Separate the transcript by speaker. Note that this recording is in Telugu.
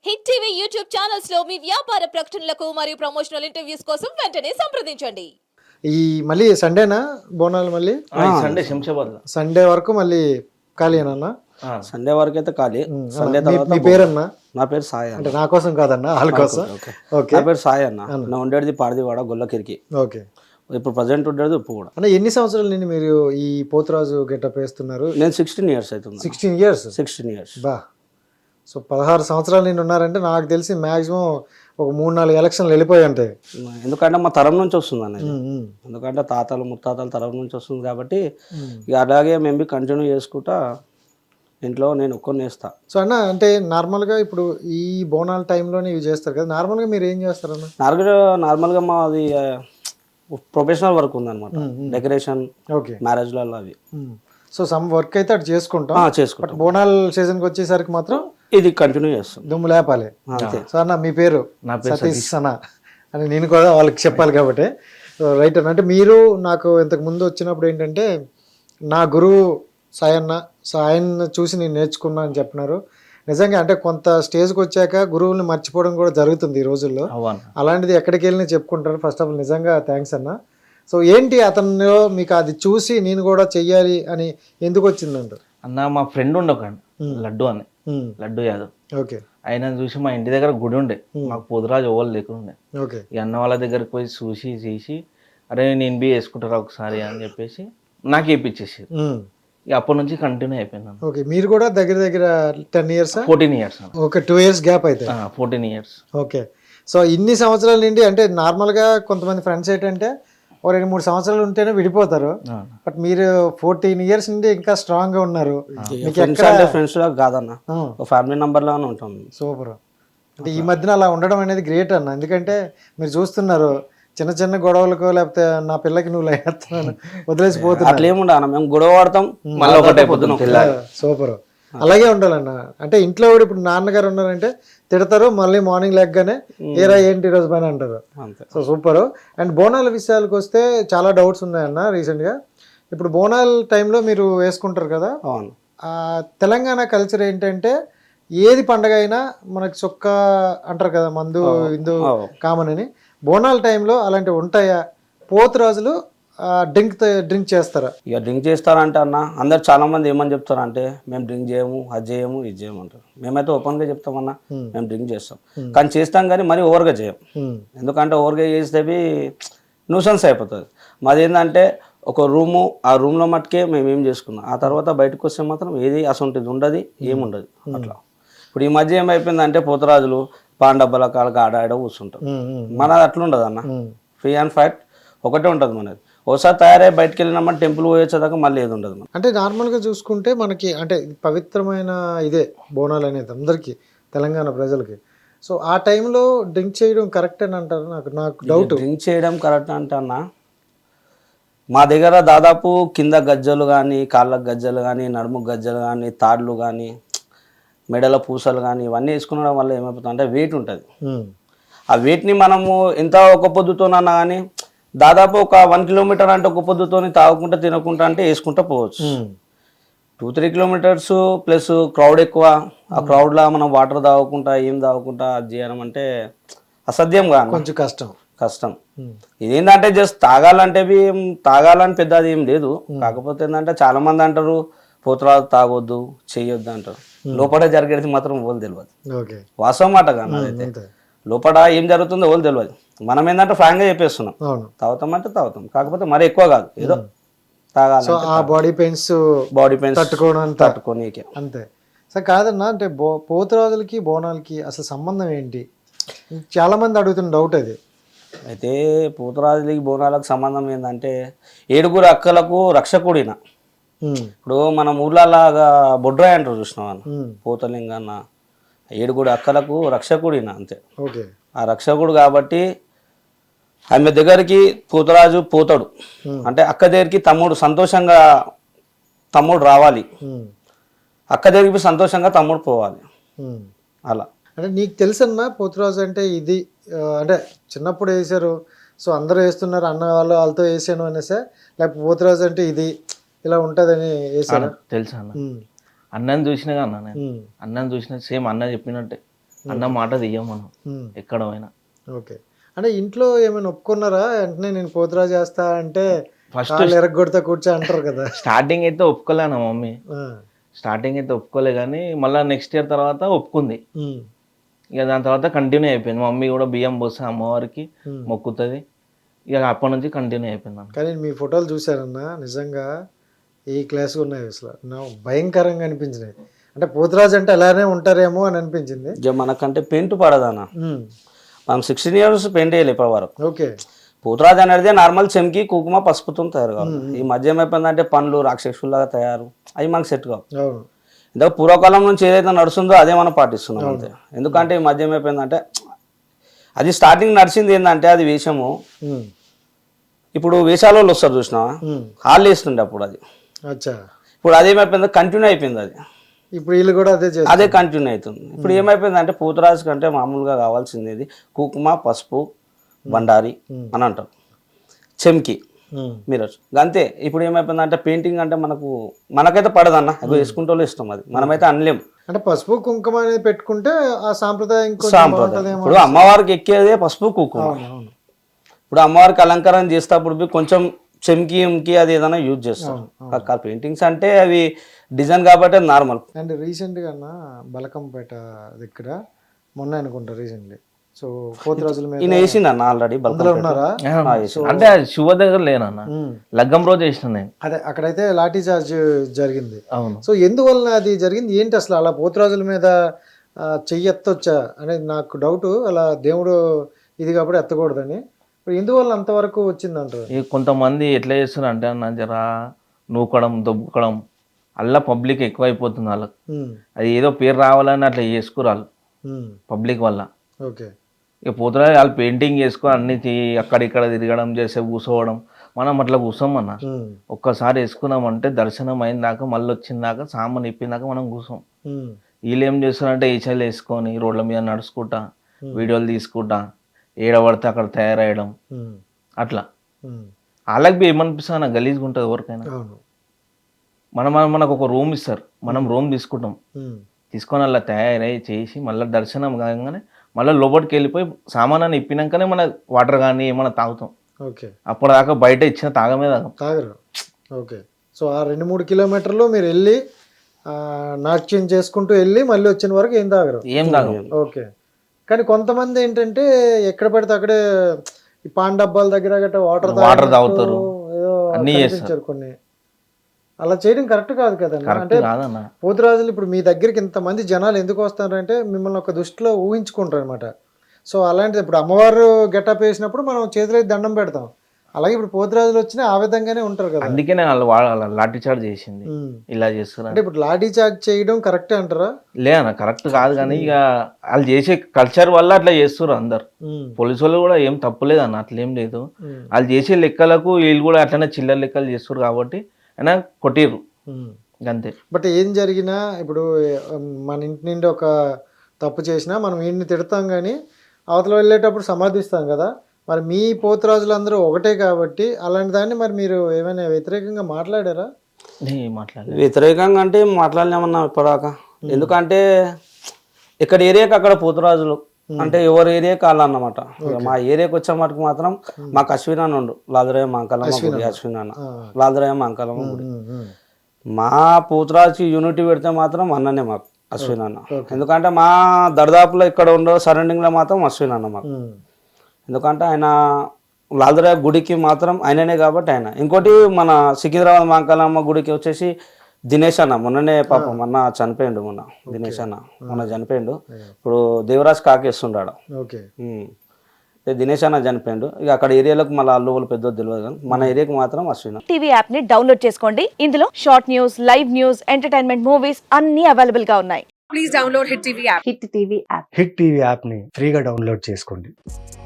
Speaker 1: హిట్ టీవీ యూట్యూబ్ ఛానల్స్ లో మీ వ్యాపార ప్రకటనలకు మరియు ప్రమోషనల్ ఇంటర్వ్యూస్ కోసం వెంటనే సంప్రదించండి.
Speaker 2: ఈ మళ్ళీ సండేనా బోనాలు మళ్ళీ
Speaker 3: సండే శంషాబాద్ లో
Speaker 2: సండే వరకు మళ్ళీ ఖాళీనా?
Speaker 4: సండే వరకు అయితే ఖాళీ. సండే
Speaker 2: మీ
Speaker 4: తర్వాత
Speaker 2: పేరన్నా?
Speaker 4: నా పేరు సాయి
Speaker 2: అంటే
Speaker 4: అన్న.
Speaker 2: నా కోసం కాదన్నా, వాళ్ళ కోసం. ఓకే
Speaker 4: నా పేరు సాయి అన్న. నా ఉండేది పాడిదివాడ గొల్లకిరికి.
Speaker 2: ఓకే
Speaker 4: ఇప్పుడు ప్రజెంట్ ఉండేది ఉప్పు కూడా.
Speaker 2: అన్న ఎన్ని సంవత్సరాల నుండి మీరు ఈ పోతురాజు గెటప్ వేస్తున్నారు?
Speaker 4: నేను 16 years అవుతుంది.
Speaker 2: 16 years.
Speaker 4: 16 years.
Speaker 2: బా, సో 16 సంవత్సరాల నుండి ఉన్నారంటే నాకు తెలిసి మ్యాక్సిమం ఒక 3-4 ఎలక్షన్లు వెళ్ళిపోయి ఉంటాయి.
Speaker 4: ఎందుకంటే మా తరం నుంచి వస్తుంది అన్నది. ఎందుకంటే తాతలు ముత్తాతల తరం నుంచి వస్తుంది కాబట్టి ఇక అలాగే మేము కంటిన్యూ చేసుకుంటా ఇంట్లో నేను ఒక్కరిని వేస్తా.
Speaker 2: సో అన్న అంటే నార్మల్గా ఇప్పుడు ఈ బోనాల టైంలోనే ఇవి చేస్తారు కదా, నార్మల్గా మీరు ఏం చేస్తారన్న?
Speaker 4: నార్మల్గా మాది ప్రొఫెషనల్ వర్క్ ఉందన్నమాట. డెకరేషన్,
Speaker 2: ఓకే,
Speaker 4: మ్యారేజ్లలో అవి.
Speaker 2: సో సమ్ వర్క్ అయితే అటు చేసుకుంటాం.
Speaker 4: చేసుకుంటాం.
Speaker 2: బట్ బోనాల సీజన్కి వచ్చేసరికి మాత్రం
Speaker 4: ఇది కంటిన్యూ చేస్తాం.
Speaker 2: దుమ్ము లేపాలి.
Speaker 4: అంతే.
Speaker 2: సో అన్న మీ పేరు?
Speaker 3: నా పేరు
Speaker 2: సతీష్ అన్న అని నేను కూడా వాళ్ళకి చెప్పాలి కాబట్టి. సో రైట్ అన్న, అంటే మీరు నాకు ఇంతకు ముందు వచ్చినప్పుడు ఏంటంటే నా గురువు సాయన్న, సో ఆయన చూసి నేను నేర్చుకున్నా అని చెప్పినారు. నిజంగా అంటే కొంత స్టేజ్కి వచ్చాక గురువుల్ని మర్చిపోవడం కూడా జరుగుతుంది ఈ రోజుల్లో.
Speaker 3: అవును.
Speaker 2: అలాంటిది ఎక్కడికి వెళ్ళినా చెప్పుకుంటారు. ఫస్ట్ ఆఫ్ ఆల్ నిజంగా థ్యాంక్స్ అన్న. సో ఏంటి అతనిలో మీకు అది చూసి నేను కూడా చెయ్యాలి అని ఎందుకు వచ్చిందంట?
Speaker 3: అన్న మా ఫ్రెండ్ ఉండే ఒక లడ్డు అని, లడ్డు యాదవ్.
Speaker 2: ఓకే
Speaker 3: ఆయన చూసి మా ఇంటి దగ్గర గుడి ఉండే, మాకు పొదురాజు ఓవలు లేకుండే.
Speaker 2: ఓకే
Speaker 3: ఈ అన్న వాళ్ళ దగ్గరికి పోయి చూసి చేసి అరే నేను బి వేసుకుంటారా ఒకసారి అని చెప్పేసి నాకు వేయించేసి ఇక అప్పటి నుంచి కంటిన్యూ అయిపోయినాను.
Speaker 2: ఓకే మీరు కూడా దగ్గర దగ్గర 10 years?
Speaker 3: 14 years అన్న.
Speaker 2: ఒక 2 years గ్యాప్ అయితే.
Speaker 3: 14 years.
Speaker 2: ఓకే, సో ఇన్ని సంవత్సరాల నుండి అంటే నార్మల్గా కొంతమంది ఫ్రెండ్స్ ఏంటంటే ఒక 2-3 సంవత్సరాలు ఉంటేనే విడిపోతారు. బట్ మీరు 14 years నుండి ఇంకా స్ట్రాంగ్గా ఉన్నారు. మీకు
Speaker 4: ఫ్రెండ్స్ లాగా కాదన్న, ఒక ఫ్యామిలీ మెంబర్ లాగానే ఉంటాం.
Speaker 2: సూపర్. అంటే ఈ మధ్యన అలా ఉండడం అనేది గ్రేట్ అన్న. ఎందుకంటే మీరు చూస్తున్నారు చిన్న చిన్న గొడవలకు లేకపోతే నా పిల్లకి నువ్వు లేస్తున్నాను వదిలేసిపోతున్నా
Speaker 4: అట్లా ఏముండ అన్న, మేము గొడవ పడతాం మళ్ళీ ఒకటే పొద్దున.
Speaker 2: సూపర్, అలాగే ఉండాలన్న. అంటే ఇంట్లో కూడా ఇప్పుడు నాన్నగారు ఉన్నారంటే తిడతారు, మళ్ళీ మార్నింగ్ లెగ్గానే ఏరా ఏంటి ఈరోజు పని అంటారు. So super. అండ్ బోనాల విషయాలకు వస్తే చాలా డౌట్స్ ఉన్నాయన్న రీసెంట్గా. ఇప్పుడు బోనాల టైంలో మీరు వేసుకుంటారు కదా,
Speaker 4: అవును.
Speaker 2: తెలంగాణ కల్చర్ ఏంటంటే ఏది పండగ అయినా మనకి చొక్క అంటారు కదా, మందు ఇందు కామన్ అని. బోనాల టైంలో అలాంటివి ఉంటాయా? పోతురాజులు డ్రింక్ చేస్తారా?
Speaker 4: ఇక డ్రింక్ చేస్తారంటే అన్న అందరు చాలా మంది ఏమని చెప్తారంటే మేము డ్రింక్ చేయము, అది చేయము, ఇది చేయము అంటారు. మేమైతే ఓపెన్గా చెప్తామన్నా మేము డ్రింక్ చేస్తాం, కానీ చేస్తాం కానీ మరీ ఓవర్గా చేయం. ఎందుకంటే ఓవర్గా చేసేవి న్యూసెన్స్ అయిపోతుంది. మాది ఏంటంటే ఒక రూము, ఆ రూమ్లో మట్టుకే మేము ఏం చేసుకున్నాం, ఆ తర్వాత బయటకు వస్తే మాత్రం ఏది అసొంటిది ఉండదు, ఏముండదు. అట్లా ఇప్పుడు ఈ మధ్య ఏమైపోయిందంటే పోతురాజులు పాండబ్బల కాళ్ళకి ఆడ కూర్చుంటాం. మనది అట్లా ఉండదు అన్న, ఫ్రీ అండ్ ఫైట్ ఒకటే ఉంటుంది మనది. ఒకసారి తయారై బయటకు వెళ్ళినామంటే టెంపుల్ పోయేదాకా మళ్ళీ ఏది ఉండదు.
Speaker 2: అంటే నార్మల్గా చూసుకుంటే మనకి అంటే పవిత్రమైన ఇదే బోనాలు అనేది అందరికీ, తెలంగాణ ప్రజలకి. సో ఆ టైంలో డ్రింక్ చేయడం కరెక్ట్ అని అంటారు. నాకు డౌట్.
Speaker 4: డ్రింక్ చేయడం కరెక్ట్ అంటే అన్న, మా దగ్గర దాదాపు కింద గజ్జలు కానీ, కాళ్ళకు గజ్జలు కానీ, నడుము గజ్జలు కానీ, తాడ్లు కానీ, మెడల పూసలు కానీ ఇవన్నీ వేసుకునడం వల్ల ఏమైపోతుంది అంటే వెయిట్ ఉంటుంది. ఆ వెయిట్ని మనము ఎంత ఒక పొద్దుతోనన్నా కానీ దాదాపు ఒక 1 kilometer అంటే ఒక పొద్దుతోని తాగుకుంటా తినకుంటా అంటే వేసుకుంటా పోవచ్చు. 2-3 kilometers ప్లస్ క్రౌడ్ ఎక్కువ, ఆ క్రౌడ్లో మనం వాటర్ తాగకుండా ఏం తాగకుండా అది చేయడం అంటే అసాధ్యం కాదు, కొంచెం కష్టం. ఇదేంటంటే జస్ట్ తాగాలని పెద్ద అది ఏం లేదు. కాకపోతే ఏంటంటే చాలా మంది అంటారు పోతురాజు తాగొద్దు, చెయ్యొద్దు అంటారు. లోపల జరిగేది మాత్రం ఓలు తెలియదు. వాస్తవం మాట కానీ అదైతే లోపల ఏం జరుగుతుందో ఓలు తెలియదు. మనం ఏంటంటే ఫ్రాంక్గా చెప్పేస్తున్నాం, తాగుతామంటే తాగుతాం, కాకపోతే మరి ఎక్కువ కాదు, ఏదో తాగాలి.
Speaker 2: బాడీ పెయిన్స్
Speaker 4: తట్టుకోనీకే
Speaker 2: అంతే. సో కాదన్నా, అంటే పోతురాజులకి బోనాలకి అసలు సంబంధం ఏంటి? చాలా మంది అడుగుతున్న డౌట్ అది.
Speaker 4: అయితే పోతురాజులకి బోనాలకు సంబంధం ఏంటంటే 7 అక్కలకు రక్షకుడిన. ఇప్పుడు మన ఊర్లలాగా బొడ్రాయి అంటారు చూసినావా, పోతలింగన్న 7 అక్కలకు రక్షకుడిన అంతే. ఆ రక్షకుడు కాబట్టి ఆమె దగ్గరికి పోతురాజు పోతాడు అంటే అక్క దగ్గరికి సంతోషంగా తమ్ముడు రావాలి, అక్క దగ్గరికి సంతోషంగా తమ్ముడు పోవాలి. అలా
Speaker 2: అంటే నీకు తెలుసన్నా పోతురాజు అంటే ఇది, అంటే చిన్నప్పుడు వేసారు సో అందరూ వేస్తున్నారు అన్న వాళ్ళతో వేసాను అనేసా, లేకపోతే పోతురాజు అంటే ఇది ఇలా ఉంటుందని వేసాను?
Speaker 3: తెలుసా అన్న, అన్నని చూసినా అన్న, నేను అన్నని చూసిన సేమ్ అన్న చెప్పినట్టే అన్న మాట తీయం మనం
Speaker 2: ఉమ్.
Speaker 3: ఎక్కడ పోయినా.
Speaker 2: ఓకే. అంటే ఇంట్లో ఏమైనా ఒప్పుకున్నారా వెంటనే నేను పోతురాజు చేస్తా అంటే
Speaker 3: ఫస్ట్
Speaker 2: కాళ్ళు ఎరగొడతా కూర్చో అంటారు కదా?
Speaker 3: స్టార్టింగ్ అయితే ఒప్పుకోలే నా మమ్మీ,
Speaker 2: ఆ.
Speaker 3: స్టార్టింగ్ అయితే ఒప్పుకోలే, కానీ మళ్ళీ నెక్స్ట్ ఇయర్ తర్వాత ఒప్పుకుంది.
Speaker 2: ఉమ్.
Speaker 3: ఇక దాని తర్వాత కంటిన్యూ అయిపోయింది. మమ్మీ కూడా బియ్యం పోస్తే అమ్మవారికి
Speaker 2: ఉమ్.
Speaker 3: మొక్కుతుంది. ఇక అప్పటి నుంచి కంటిన్యూ అయిపోయింది అన్న.
Speaker 2: కానీ మీ ఫోటోలు చూసారన్నా నిజంగా ఈ క్లాస్ ఉన్నాయి అసలు నా భయంకరంగా అనిపించినాయి. అంటే పోతురాజు అంటే అలానే ఉంటారేమో అని అనిపించింది.
Speaker 4: ఇక మనకంటే పెయింట్ పడదన్న.
Speaker 2: ఉమ్.
Speaker 4: మనం 16 years పెయింట్ వేయాలి ఇప్పటి వరకు.
Speaker 2: ఓకే.
Speaker 4: పూతరాజు అనేది నార్మల్ చెంకి కుంకుమ పసుపుతో తయారు కావాలి. ఈ మధ్య ఏమైపోయిందంటే పండ్లు రాక్షసులాగా తయారు, అవి మనకు సెట్ కావు.
Speaker 2: అవును.
Speaker 4: ఇందులో పూర్వకాలం నుంచి ఏదైతే నడుస్తుందో అదే మనం పాటిస్తున్నాం అంతే. ఎందుకంటే ఈ మధ్య ఏమైపోయిందంటే అది స్టార్టింగ్ నడిచింది ఏంటంటే అది వేషము.
Speaker 2: ఉమ్.
Speaker 4: ఇప్పుడు వేషాల వాళ్ళు వస్తారు చూసినావా,
Speaker 2: ఉమ్.
Speaker 4: హాల్ వేస్తుండే అప్పుడు అది.
Speaker 2: అచ్చా.
Speaker 4: ఇప్పుడు అదేమైపోయింది కంటిన్యూ అయిపోయింది అది.
Speaker 2: ఇప్పుడు వీళ్ళు కూడా అదే చేస్తారు.
Speaker 4: అదే కంటిన్యూ అవుతుంది. ఇప్పుడు ఏమైపోయిందంటే పూతరాజు కంటే మామూలుగా కావాల్సింది ఇది కుంకుమ పసుపు బండారి అని అంటారు, చెంకి
Speaker 2: ఉమ్.
Speaker 4: మీరు అంతే. ఇప్పుడు ఏమైపోయిందంటే పెయింటింగ్ అంటే మనకైతే పడదన్న, అది వేసుకుంటే వాళ్ళు ఇష్టం, అది మనమైతే అనలేం.
Speaker 2: అంటే పసుపు కుంకుమ అనేది పెట్టుకుంటే ఆ సాంప్రదాయం కొంచెం
Speaker 4: సాంప్రదాయం.
Speaker 2: బాగుంటుందేమో.
Speaker 4: ఇప్పుడు అమ్మవారికి ఎక్కేదే పసుపు కుంకుమ.
Speaker 2: అవును, అవును.
Speaker 4: ఇప్పుడు అమ్మవారికి అలంకారం చేసేటప్పుడు కొంచెం చెంకి ఎంకి అది ఏదైనా యూజ్ చేస్తాం. పెయింటింగ్స్ అంటే అవి డిజైన్ కాబట్టి నార్మల్.
Speaker 2: అండ్ రీసెంట్గా బలకంపేట దగ్గర మొన్న అనుకుంటా రీసెంట్లీ, సో పోతురాజుల మీద
Speaker 4: ఈయన వేసిందన్న ఆల్రెడీ
Speaker 2: అందులో ఉన్నారా?
Speaker 3: అంటే అది శివ దగ్గర లేనన్న, లగ్గం రోజు వేసిన నేను.
Speaker 2: అదే అక్కడైతే లాఠీ చార్జ్ జరిగింది.
Speaker 3: అవును.
Speaker 2: సో ఎందువలన అది జరిగింది ఏంటి అసలు? అలా పోతురాజుల మీద చెయ్యి ఎత్తొచ్చా అనేది నాకు డౌట్. అలా దేవుడు ఇది కాబట్టి ఎత్తకూడదని, ఇప్పుడు ఎందువల్ల అంతవరకు వచ్చిందంటారు?
Speaker 3: ఇక కొంతమంది ఎట్లా చేస్తున్నారు అంటే అన్న, జరా నూకడం దొబ్బుకడం అలా పబ్లిక్ ఎక్కువైపోతుంది వాళ్ళకి. అది ఏదో పేరు రావాలని అట్లా చేసుకురాళ్ళు పబ్లిక్ వల్ల.
Speaker 2: ఓకే.
Speaker 3: ఇక పోతురా వాళ్ళు పెయింటింగ్ చేసుకొని అన్ని అక్కడిక్కడ తిరగడం చేసే కూర్చోవడం, మనం అట్లా కూర్చోం అన్న. ఒక్కసారి వేసుకున్నామంటే దర్శనం అయిన దాకా మళ్ళీ వచ్చిన దాకా సామాన్ ఇప్పిన దాకా మనం కూర్చోం. వీళ్ళు ఏం చేస్తారంటే ఈచలు వేసుకొని రోడ్ల మీద నడుచుకుంటా వీడియోలు తీసుకుంటా ఏడబడితే అక్కడ తయారయ్యడం అట్లా. వాళ్ళకి ఏమనిపిస్తుంది అన్న, గలీజ్గా ఉంటుంది ఎవరికైనా. మనకు ఒక రూమ్ ఇస్తారు, మనం రూమ్ తీసుకుంటాం, తీసుకొని అలా తయారై చేసి మళ్ళీ దర్శనం కాగానే మళ్ళీ లోపలికి వెళ్ళిపోయి సామానాన్ని ఇప్పినాకనే మన వాటర్ కానీ ఏమైనా తాగుతాం.
Speaker 2: ఓకే.
Speaker 3: అప్పటిదాకా బయట ఇచ్చిన తాగమే
Speaker 2: తాగరు. ఓకే. సో ఆ 2-3 కిలోమీటర్లు మీరు వెళ్ళి నాట్యం చేసుకుంటూ వెళ్ళి మళ్ళీ వచ్చిన వరకు ఏం తాగరు?
Speaker 3: ఏం తాగం.
Speaker 2: ఓకే. కానీ కొంతమంది ఏంటంటే ఎక్కడ పడితే అక్కడే ఈ పాన్ డబ్బాల దగ్గర గట్రా వాటర్
Speaker 3: తాగుతారు, అన్నీ చేస్తారు
Speaker 2: కొన్ని. అలా చేయడం కరెక్ట్ కాదు కదన్నా. అంటే
Speaker 3: కాదన్న,
Speaker 2: పోతురాజులు ఇప్పుడు మీ దగ్గరికి ఇంతమంది జనాలు ఎందుకు వస్తారంటే మిమ్మల్ని ఒక దృష్టిలో ఊహించుకుంటారు అనమాట. సో అలాంటిది ఇప్పుడు అమ్మవారు గెటప్ వేసినప్పుడు మనం చేతులు దండం పెడతాం, అలాగే ఇప్పుడు పోతురాజులు వచ్చినా ఆ విధంగానే ఉంటారు కదా.
Speaker 3: అందుకనే వాళ్ళు లాఠీ చార్జ్ చేసింది ఇలా చేస్తున్నారు.
Speaker 2: అంటే ఇప్పుడు లాఠీ చార్జ్ చేయడం కరెక్టే అంటారా?
Speaker 3: లేదన్న, కరెక్ట్ కాదు, కానీ ఇక వాళ్ళు చేసే కల్చర్ వల్ల అట్లా చేస్తారు అందరు. పోలీసు వాళ్ళు కూడా ఏం తప్పులేదు అన్న, అట్లేం లేదు. వాళ్ళు చేసే లెక్కలకు వీళ్ళు కూడా అట్లనే చిల్లర లెక్కలు చేస్తారు కాబట్టి అయినా కొట్టిర్రు అంతే.
Speaker 2: బట్ ఏం జరిగినా ఇప్పుడు మన ఇంటి నుండి ఒక తప్పు చేసినా మనం వీడిని తిడతాం కానీ అవతల వెళ్ళేటప్పుడు సమర్థిస్తాం కదా. మరి మీ పోతురాజులందరూ ఒకటే కాబట్టి అలాంటి దాన్ని మరి మీరు ఏమైనా వ్యతిరేకంగా మాట్లాడారా?
Speaker 4: వ్యతిరేకంగా అంటే మాట్లాడలేమన్నా ఇప్పటిదాకా. ఎందుకంటే ఇక్కడ ఏరియాకి అక్కడ పోతురాజులు అంటే ఎవరి ఏరియాకి వాళ్ళన్నమాట. మా ఏరియాకి వచ్చే మటుకు మాత్రం మాకు అశ్విన్ అన్న ఉండు, లాదరయ్య మాంకలమ్మ గుడి, అశ్విన్ అన్న లాదరయ్య మాంకలమ్మ గుడి. మా పోతురాజుకి యూనిటీ పెడితే మాత్రం అన్ననే మాకు అశ్విన్ అన్న. ఎందుకంటే మా దర్దాపులో ఇక్కడ ఉండే సరౌండింగ్లో మాత్రం అశ్విన్ అన్న మాకు. ఎందుకంటే ఆయన లాదరయ్య గుడికి మాత్రం ఆయననే కాబట్టి ఆయన. ఇంకోటి మన సికింద్రాబాద్ మాంకలమ్మ గుడికి వచ్చేసి దినేష్ అన్న మొన్ననే పాపం మొన్న చనిపోయిండు. దినేష్ అన్న మొన్న చనిపోయిండు. ఇప్పుడు దేవరాజ్ కాకేస్తుండాడు. దినేష్ అన్న చనిపోయిండు. ఇక అక్కడ ఏరియాలకు మళ్ళీ అల్లువలు పెద్ద తెలియదు కానీ మన ఏరియాకి మాత్రం అశ్విన్.
Speaker 5: టీవీ యాప్ ని డౌన్లోడ్ చేసుకోండి. ఇందులో short news, live news, entertainment movies అన్ని అవైలబుల్ గా ఉన్నాయి. Please download hit TV app.
Speaker 6: Hit TV app ని ఫ్రీగా డౌన్లోడ్ చేసుకోండి.